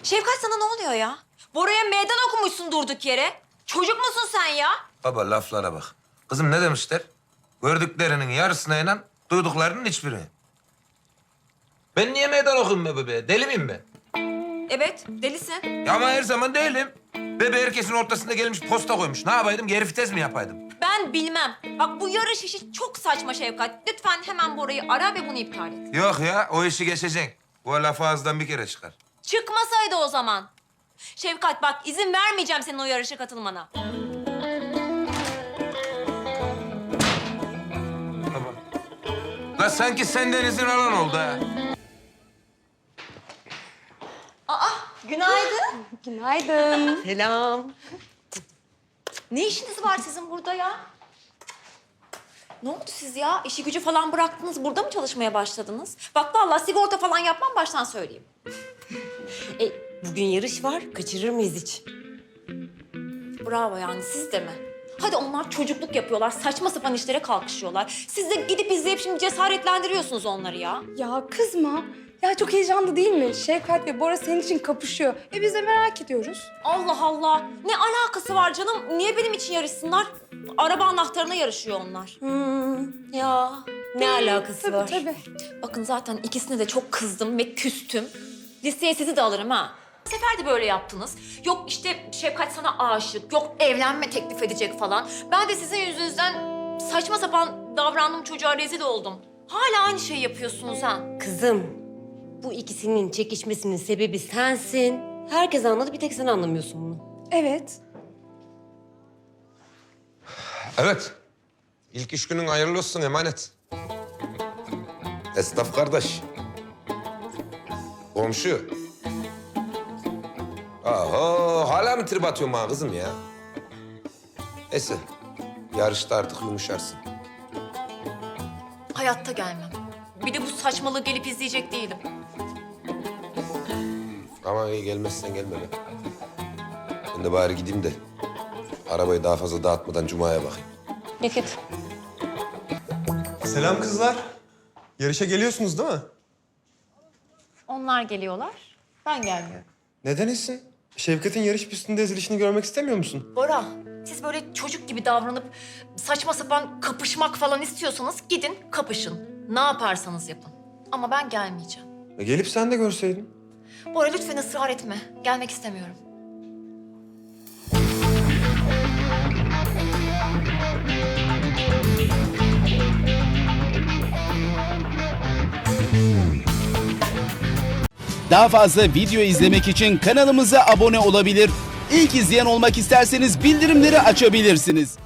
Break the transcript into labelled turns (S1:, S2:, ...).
S1: Şevkat sana ne oluyor ya? Bora'ya meydan okumuşsun durduk yere. Çocuk musun sen ya?
S2: Baba laflara bak. Kızım ne demişler? Gördüklerinin yarısına inan, duyduklarının hiçbirine. Ben niye meydan okuyayım be bebeğe? Deli miyim ben?
S1: Evet, delisin.
S2: Ya ama her zaman değilim. Bebe herkesin ortasında gelmiş posta koymuş. Ne yapaydım? Geri vites mi yapaydım?
S1: Ben bilmem. Bak bu yarış işi çok saçma Şevkat. Lütfen hemen Bora'yı ara ve bunu iptal et.
S2: Yok ya, o işi geçeceksin. Bu laf ağızdan bir kere çıkar.
S1: Çıkmasaydı o zaman. Şevkat bak izin vermeyeceğim senin o yarışa katılmana.
S2: Baba. La sanki senden izin alan oldu ha.
S1: Günaydın.
S3: Günaydın.
S4: Selam.
S1: Ne işiniz var sizin burada ya? Ne oldu siz ya? İşi gücü falan bıraktınız, burada mı çalışmaya başladınız? Bak vallahi sigorta falan yapmam baştan söyleyeyim.
S4: Bugün yarış var. Kaçırır mıyız hiç?
S1: Bravo yani siz de mi? Hadi onlar çocukluk yapıyorlar, saçma sapan işlere kalkışıyorlar. Siz de gidip izleyip şimdi cesaretlendiriyorsunuz onları ya.
S3: Ya kızma. Ya çok heyecanlı değil mi? Şevkat ve Bora senin için kapışıyor. Biz de merak ediyoruz.
S1: Allah Allah! Ne alakası var canım? Niye benim için yarışsınlar? Araba anahtarına yarışıyor onlar.
S4: Ya ne alakası
S3: Tabii
S4: var?
S3: tabii.
S1: Bakın zaten ikisine de çok kızdım ve küstüm. Listeye sizi de alırım ha. Bu sefer de böyle yaptınız. Yok işte Şevkat sana aşık, yok evlenme teklif edecek falan. Ben de sizin yüzünüzden saçma sapan davrandım, çocuğa rezil oldum. Hala aynı şeyi yapıyorsunuz ha.
S4: Kızım, bu ikisinin çekişmesinin sebebi sensin. Herkes anladı, bir tek sen anlamıyorsun bunu.
S3: Evet.
S2: Evet. İlk iş günün hayırlı olsun emanet. Esnaf kardeş. Komşu. Aha, hala mı trip atıyorsun bana kızım ya? Neyse, yarışta artık yumuşarsın.
S1: Hayatta gelmem. Bir de bu saçmalığı gelip izleyecek değilim.
S2: Ama iyi gelmezsen gelme be. Ben de bari gideyim de arabayı daha fazla dağıtmadan Cuma'ya bakayım.
S1: Yakıt.
S5: Selam kızlar. Yarışa geliyorsunuz değil mi?
S1: Onlar geliyorlar, ben gelmiyorum.
S5: Neden Esin? Şevkat'in yarış pistinde ezilişini görmek istemiyor musun?
S1: Bora, siz böyle çocuk gibi davranıp saçma sapan kapışmak falan istiyorsanız gidin kapışın. Ne yaparsanız yapın. Ama ben gelmeyeceğim.
S5: Gelip sen de görseydin.
S1: Bora lütfen ısrar etme. Gelmek istemiyorum.
S6: Daha fazla video izlemek için kanalımıza abone olabilir. İlk izleyen olmak isterseniz bildirimleri açabilirsiniz.